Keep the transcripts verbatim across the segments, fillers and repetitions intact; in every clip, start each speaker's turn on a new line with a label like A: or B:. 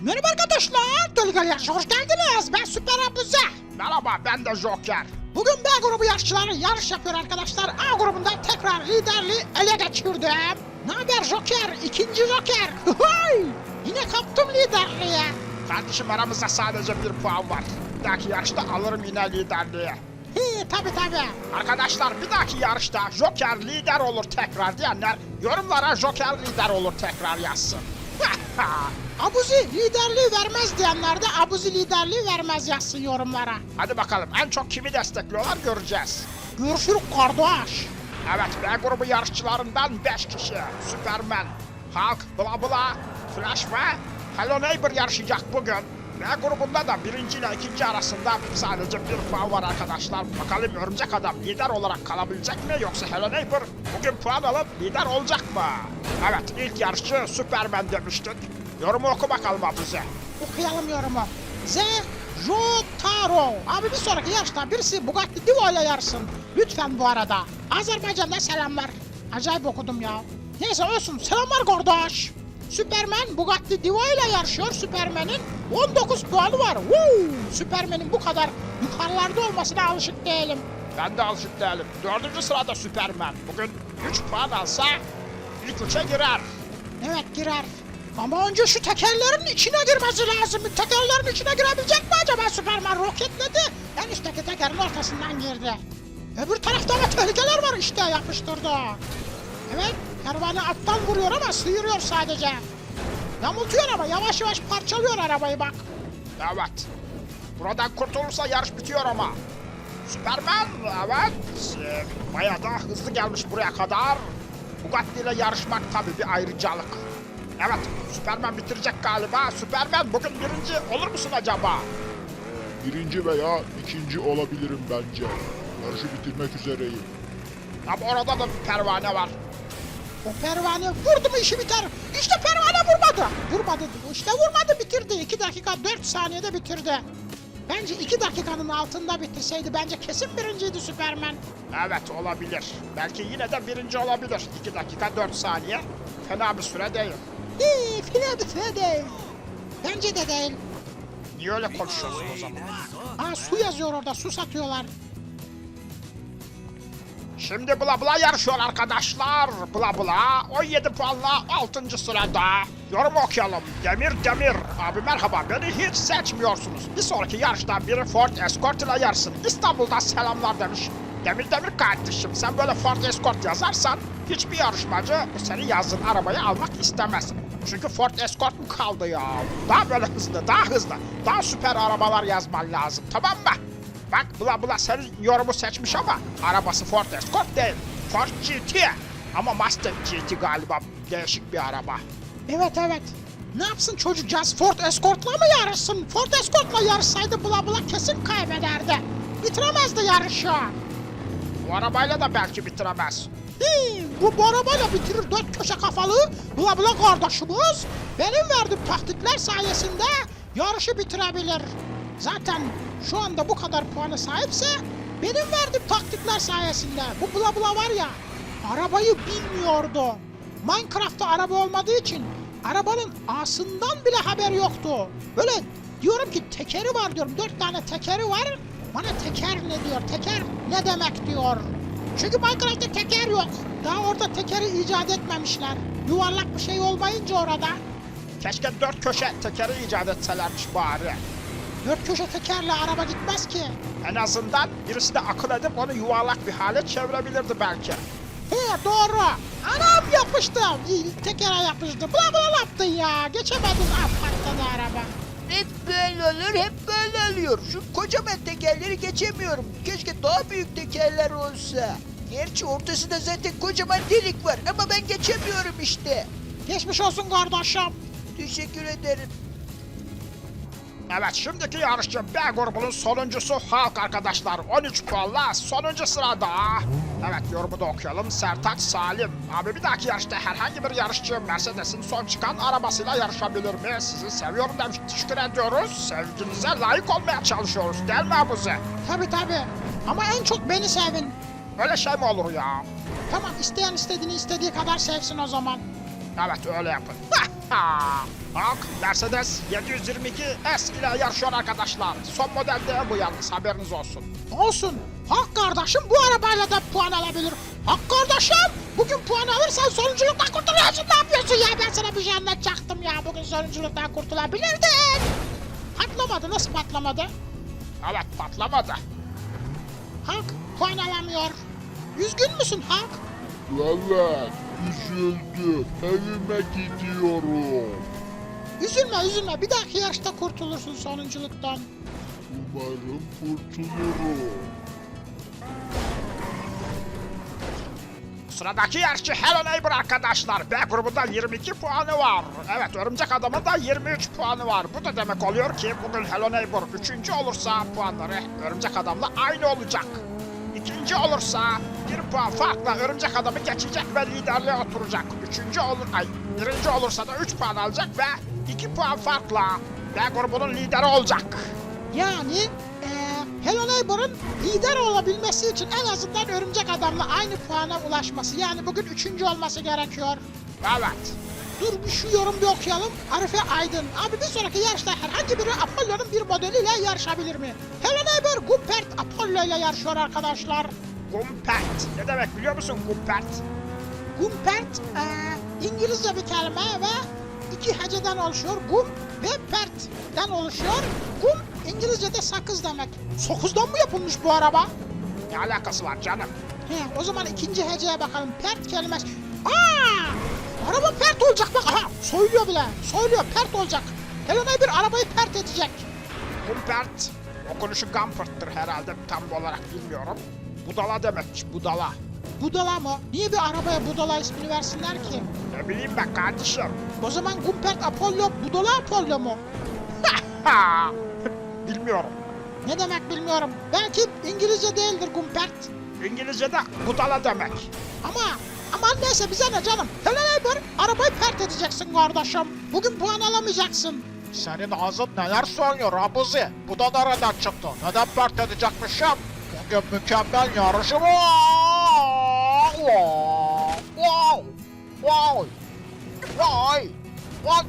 A: Merhaba arkadaşlar, Dölgel Yarış'a hoş geldiniz. Ben Süper Abuze.
B: Merhaba, ben de Joker.
A: Bugün B grubu yarışçıları yarış yapıyor arkadaşlar. A grubunda tekrar liderliği ele geçirdim. Ne haber Joker? İkinci Joker. Hıhıy! Yine kaptım liderliği.
B: Kardeşim aramızda sadece bir puan var. Bir dahaki yarışta alırım yine liderliği.
A: He tabi tabi.
B: Arkadaşlar bir dahaki yarışta Joker lider olur tekrar diyenler yorumlara Joker lider olur tekrar yazsın.
A: Abuzi liderliği vermez diyenler de Abuzi liderliği vermez yazsın yorumlara.
B: Hadi bakalım en çok kimi destekliyorlar göreceğiz.
A: Görüşürüz kardeş.
B: Evet, B grubu yarışçılarından beş kişi. Superman, Hulk, Bla Bla, Flash ve Hello Neighbor yarışacak bugün. B grubunda da birinci ile ikinci arasında sadece bir puan var arkadaşlar. Bakalım Örümcek Adam lider olarak kalabilecek mi yoksa Hello Neighbor bugün puan alıp lider olacak mı? Evet, ilk yarışçı Superman demiştik. Yorumu oku bakalım Abuze.
A: Okuyalım yorumu. Z. Jotaro. Abi bir sonraki yarışta birisi Bugatti Divo ile yarışsın. Lütfen bu arada. Azerbaycan'da selamlar. Acayip okudum ya. Neyse olsun. Selamlar kardeş. Superman Bugatti Divo ile yarışıyor. Superman'in on dokuz puanı var. Woo! Superman'in bu kadar yukarılarda olmasına alışık değilim.
B: Ben de alışık değilim. Dördüncü sırada Superman. Bugün üç puan alsa ilk üçe girer.
A: Evet girer. Ama önce şu tekerlerin içine girmesi lazım. Tekerlerin içine girebilecek mi acaba Superman? Roketledi. En üstteki tekerin ortasından girdi. Öbür tarafta ama tehlikeler var işte yapıştırdı. Evet pervane alttan vuruyor ama sıyırıyor sadece. Yamultuyor ama yavaş yavaş parçalıyor arabayı bak.
B: Evet. Buradan kurtulursa yarış bitiyor ama. Superman evet. Ee, bayağı da hızlı gelmiş buraya kadar. Bugatti ile yarışmak tabii bir ayrıcalık. Evet, Superman bitirecek galiba. Superman bugün birinci olur musun acaba?
C: Birinci veya ikinci olabilirim bence. Yarışı bitirmek üzereyim.
B: Ama orada da bir pervane var.
A: O pervane vurdu mu işi biter. İşte pervane vurmadı. Vurmadı. İşte vurmadı bitirdi. iki dakika dört saniyede bitirdi. Bence iki dakikanın altında bitirseydi bence kesin birinciydi Superman.
B: Evet olabilir. Belki yine de birinci olabilir. iki dakika dört saniye. Fena bir süre değil.
A: İyi file bir file değil. Bence de değil.
B: Niye öyle konuşuyorsun o zaman?
A: Aa su yazıyor orada su satıyorlar.
B: Şimdi Bla Bla yarışıyor arkadaşlar. Bla Bla on yedi puanla altıncı sırada. Yorum okuyalım. Demir Demir. Abi merhaba, beni hiç seçmiyorsunuz. Bir sonraki yarışta biri Ford Escort ile yarışsın. İstanbul'dan selamlar demiş. Demir Demir kardeşim, sen böyle Ford Escort yazarsan hiçbir yarışmacı senin yazdığın arabayı almak istemez. Çünkü Ford Escort mu kaldı ya? Daha böyle hızlı, daha hızlı, daha süper arabalar yazman lazım, tamam mı? Bak Bla Bla senin yorumu seçmiş ama arabası Ford Escort değil. Ford G T. Ama Mustang G T galiba değişik bir araba.
A: Evet evet. Ne yapsın çocukcağız Ford Escort'la mı yarışsın? Ford Escort'la yarışsaydı Bla Bla kesin kaybederdi. Bitiremezdi yarışı.
B: Bu arabayla da belki bitiremez.
A: Hii, bu, bu arabayla bitirir dört köşe kafalı Bla Bla kardeşimiz. Benim verdiğim taktikler sayesinde yarışı bitirebilir. Zaten şu anda bu kadar puana sahipse benim verdiğim taktikler sayesinde. Bu Bla Bla var ya arabayı bilmiyordu. Minecraft'ta araba olmadığı için arabanın A'sından bile haber yoktu. Böyle diyorum ki tekeri var diyorum. Dört tane tekeri var. Bana teker ne diyor? Teker ne demek diyor. Çünkü Minecraft'ta teker yok. Daha orada tekeri icat etmemişler. Yuvarlak bir şey olmayınca orada.
B: Keşke dört köşe tekeri icat etselermiş bari.
A: Dört köşe tekerle araba gitmez ki.
B: En azından birisi de akıl edip onu yuvarlak bir hale çevirebilirdi belki.
A: He doğru. Anam yapıştı. İyi, tekere yapıştı. Bla bla yaptın ya. Geçemedin. Ah patladı araba.
D: Hep böyle olur, hep böyle oluyor. Şu kocaman tekerleri geçemiyorum. Keşke daha büyük tekerler olsa. Gerçi ortasında zaten kocaman delik var ama ben geçemiyorum işte.
A: Geçmiş olsun kardeşim.
D: Teşekkür ederim.
B: Evet, şimdiki yarışçı B grubunun sonuncusu Hulk arkadaşlar. on üç puanla sonuncu sırada. Evet, yorumu da okuyalım. Sertaç Salim. Abi bir dahaki yarışta herhangi bir yarışçı Mercedes'in son çıkan arabasıyla yarışabilir mi? Sizi seviyorum demiş. Teşekkür ediyoruz. Sevginize layık olmaya çalışıyoruz. Değil mi Abuze?
A: Tabi tabi. Ama en çok beni sevin.
B: Öyle şey mi olur ya?
A: Tamam isteyen istediğini istediği kadar sevsin o zaman.
B: Evet, öyle yapın. Hulk, Mercedes yedi yüz yirmi iki S ile yarışıyor arkadaşlar. Son model değil bu yalnız, haberiniz olsun.
A: Olsun. Hak kardeşim bu arabayla da puan alabilir. Hak kardeşim bugün puan alırsan sonunculuktan kurtuluyorsun. Ne yapıyorsun ya? Ben sana bir şey anlatacaktım ya. Bugün sonunculuktan kurtulabilirdin. Patlamadı. Nasıl patlamadı?
B: Evet, patlamadı.
A: Hak puan alamıyor. Üzgün müsün Hak?
C: Evet, üzüldüm. Evime gidiyorum.
A: Üzülme üzülme. Bir dahaki yarışta kurtulursun sonunculuktan.
C: Umarım kurtulurum.
B: Sıradaki yarışçı Hello Neighbor arkadaşlar. B grubunda yirmi iki puanı var. Evet, Örümcek Adam'ın da yirmi üç puanı var. Bu da demek oluyor ki bugün Hello Neighbor üçüncü olursa puanları Örümcek Adam'la aynı olacak. İkinci olursa bir puan farkla Örümcek Adam'ı geçecek ve liderliğe oturacak. Üçüncü olur, ay birinci olursa da üç puan alacak ve iki puan farkla B grubunun lideri olacak.
A: Yani eee Hello Neighbor'ın lider olabilmesi için en azından Örümcek Adam'la aynı puana ulaşması. Yani bugün üçüncü olması gerekiyor.
B: Evet.
A: Dur bir şu yorum bir okuyalım. Arife Aydın. Abi bir sonraki yarışta herhangi biri Apollo'nun bir modeliyle yarışabilir mi? Hello Neighbor Gumpert Apollo ile yarışıyor arkadaşlar.
B: Gumpert. Ne demek biliyor musun Gumpert?
A: Gumpert eee, İngilizce bir kelime ve iki heceden oluşuyor. Gum ve pert'ten oluşuyor. Gum İngilizce'de sakız demek. Sakızdan mı yapılmış bu araba?
B: Ne alakası var canım?
A: He, o zaman ikinci heceye bakalım. Pert kelimesi. Aa! Araba pert olacak bak. Aha, söylüyor bile. Söylüyor pert olacak. Hello Neighbor arabayı pert edecek.
B: Gumpert. Okunuşu Gumpert'tır herhalde, tam olarak bilmiyorum. Budala demekmiş, budala.
A: Budala mı? Niye bir arabaya Budala ismini versinler ki?
B: Ne bileyim ben kardeşim.
A: O zaman Gumpert Apollo, Budala Apollo mu?
B: Ha! Bilmiyorum.
A: Ne demek bilmiyorum. Belki İngilizce değildir Gumpert.
B: İngilizce'de budala demek.
A: Ama aman neyse bize ne canım. Hello Neighbor arabayı pert edeceksin kardeşim. Bugün puan alamayacaksın.
E: Senin ağzın neler söylüyor Abuzi? Bu da nereden çıktı? Neden pert edecekmişim? Bugün mükemmel yarışım var. Wow! Wow! Wow! Vay! Vay!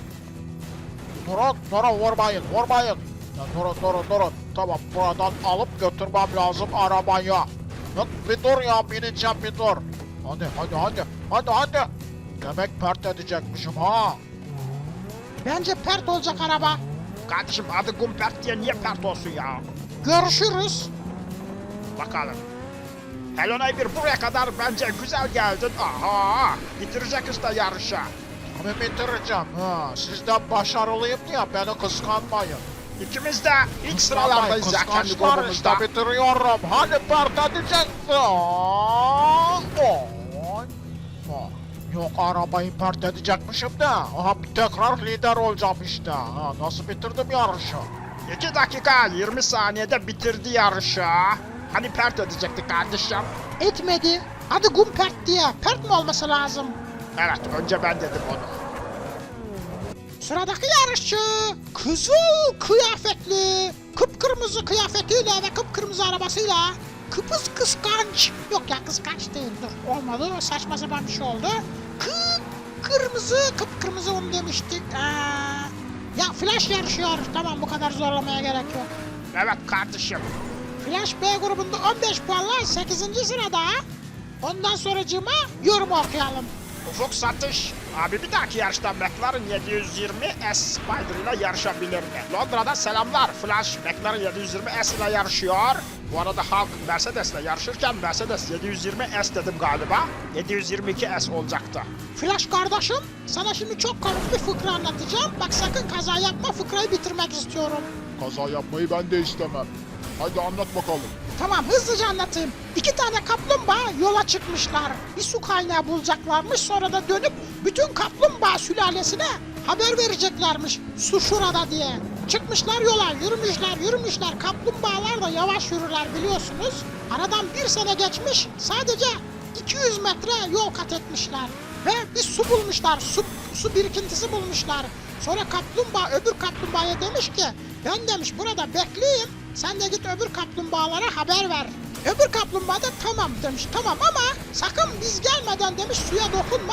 E: Durun, durun, vurmayın, vurmayın. Ya durun, durun, durun. Tamam, buradan alıp götürmem lazım arabayı. Yok, bir dur ya, bineceğim bir dur. Hadi, hadi, hadi, hadi, hadi. Demek pert edecekmişim ha.
A: Bence pert olacak araba.
B: Kardeşim adı Gumpert diye niye pert olsun ya?
A: Görüşürüz.
B: Bakalım. Hello Neighbor buraya kadar bence güzel geldin. Aha! Bitirecek işte yarışı.
E: Tabii bitireceğim. Ha, sizden başarılıyım diye beni kıskanmayın.
B: İkimiz de ilk sıralardayız ya kendi
E: Kıskançlar
B: grubumuzda.
E: işte bitiriyorum. Hadi pert edeceksin. Oy. Yok arabayı pert edecekmişim de. Aha tekrar lider olacağım işte. Ha, nasıl bitirdim yarışı?
B: iki dakika yirmi saniyede bitirdi yarışı. Hani pert edecekti kardeşim?
A: Etmedi. Adı Gumpert diye. Pert mi olması lazım?
B: Evet, önce ben dedim onu.
A: Sıradaki yarışçı kızıl kıyafetli, kıpkırmızı kıyafetiyle ve kıpkırmızı arabasıyla kıpız kıskanç. Yok ya kıskanç değil dur olmadı saçma sapan bir şey oldu. Kıpkırmızı kıpkırmızı onu demiştik. Ee, ya Flash yarışıyor. Tamam bu kadar zorlamaya gerek yok.
B: Evet kardeşim.
A: Flash B grubunda on beş puanla sekizinci sırada. Ondan sonracığıma yorum okuyalım.
B: Ufuk Satış. Abi bir dahaki yarışta McLaren yedi yüz yirmi S Spider ile yarışabilir mi? Londra'da selamlar. Flash McLaren yedi yüz yirmi S ile yarışıyor. Bu arada Hulk Mercedes ile yarışırken Mercedes yedi yüz yirmi S dedim galiba. yedi yüz yirmi iki S olacaktı.
A: Flash kardeşim, sana şimdi çok komik bir fıkra anlatacağım. Bak sakın kaza yapma, fıkrayı bitirmek istiyorum.
C: Kaza yapmayı ben de istemem. Hadi anlat bakalım.
A: Tamam, hızlıca anlatayım. İki tane kaplumbağa yola çıkmışlar. Bir su kaynağı bulacaklarmış, sonra da dönüp bütün kaplumbağa sülalesine haber vereceklermiş. Su şurada diye. Çıkmışlar yola, yürümüşler, yürümüşler. Kaplumbağalar da yavaş yürürler biliyorsunuz. Aradan bir sene geçmiş, sadece iki yüz metre yol kat etmişler. Ve bir su bulmuşlar, su, su birikintisi bulmuşlar. Sonra kaplumbağa öbür kaplumbağaya demiş ki, ben demiş burada bekleyeyim, sen de git öbür kaplumbağalara haber ver. Öbür kaplumbağa da tamam demiş, tamam ama sakın biz gelmeden demiş suya dokunma, bir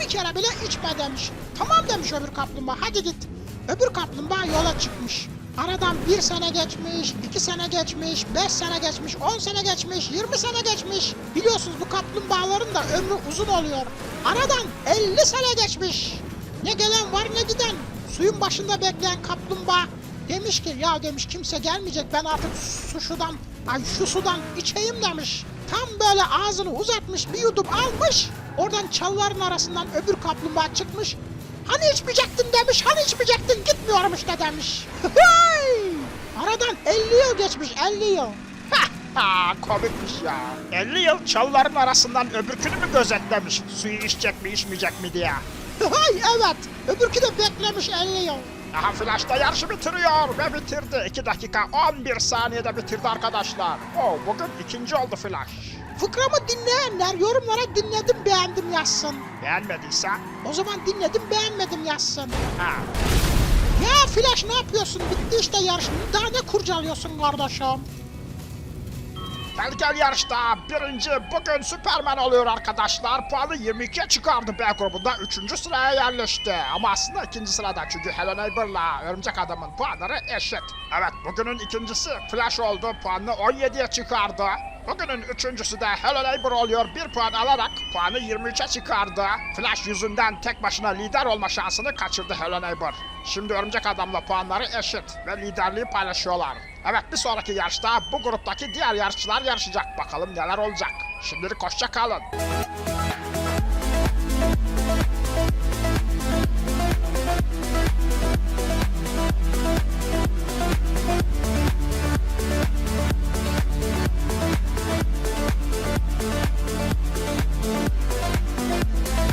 A: bir kere bile içme demiş. Tamam demiş öbür kaplumbağa, hadi git. Öbür kaplumbağa yola çıkmış. Aradan bir sene geçmiş, iki sene geçmiş, beş sene geçmiş, on sene geçmiş, yirmi sene geçmiş. Biliyorsunuz bu kaplumbağaların da ömrü uzun oluyor. Aradan elli sene geçmiş. Ne gelen var ne giden. Suyun başında bekleyen kaplumbağa demiş ki ya demiş kimse gelmeyecek, ben artık su şudan, ay şu sudan içeyim demiş. Tam böyle ağzını uzatmış, bir yudum almış. Oradan çalıların arasından öbür kaplumbağa çıkmış. Hani içmeyecektin demiş, hani içmeyecektin, gitmiyorum işte demiş. Aradan elli yıl geçmiş, elli yıl.
B: Ha, komikmiş ya. elli yıl çalıların arasından öbürkünü mü gözetlemiş? Suyu içecek mi içmeyecek mi diye.
A: Evet, öbürkü de beklemiş elli yıl.
B: Aha Flash da yarışı bitiriyor ve bitirdi. iki dakika on bir saniyede bitirdi arkadaşlar. Oo, bugün ikinci oldu Flash.
A: Fıkramı dinleyenler yorumlara dinledim beğendim yazsın.
B: Beğenmediyse?
A: O zaman dinledim beğenmedim yazsın.
B: Ha.
A: Ya Flash ne yapıyorsun? Bitti işte yarış. Daha ne kurcalıyorsun kardeşim?
B: Tehlikeli yarışta birinci bugün Superman oluyor arkadaşlar. Puanı yirmi ikiye çıkardı B grubunda. Üçüncü sıraya yerleşti. Ama aslında ikinci sırada çünkü Hello Neighbor'la Örümcek Adam'ın puanları eşit. Evet, bugünün ikincisi Flash oldu. Puanını on yediye çıkardı. Bugünün üçüncüsü de Hello Neighbor oluyor. Bir puan alarak puanı yirmi üçe çıkardı. Flash yüzünden tek başına lider olma şansını kaçırdı Hello Neighbor. Şimdi Örümcek Adam'la puanları eşit ve liderliği paylaşıyorlar. Evet, bir sonraki yarışta bu gruptaki diğer yarışçılar yarışacak. Bakalım neler olacak. Şimdilik hoşça kalın.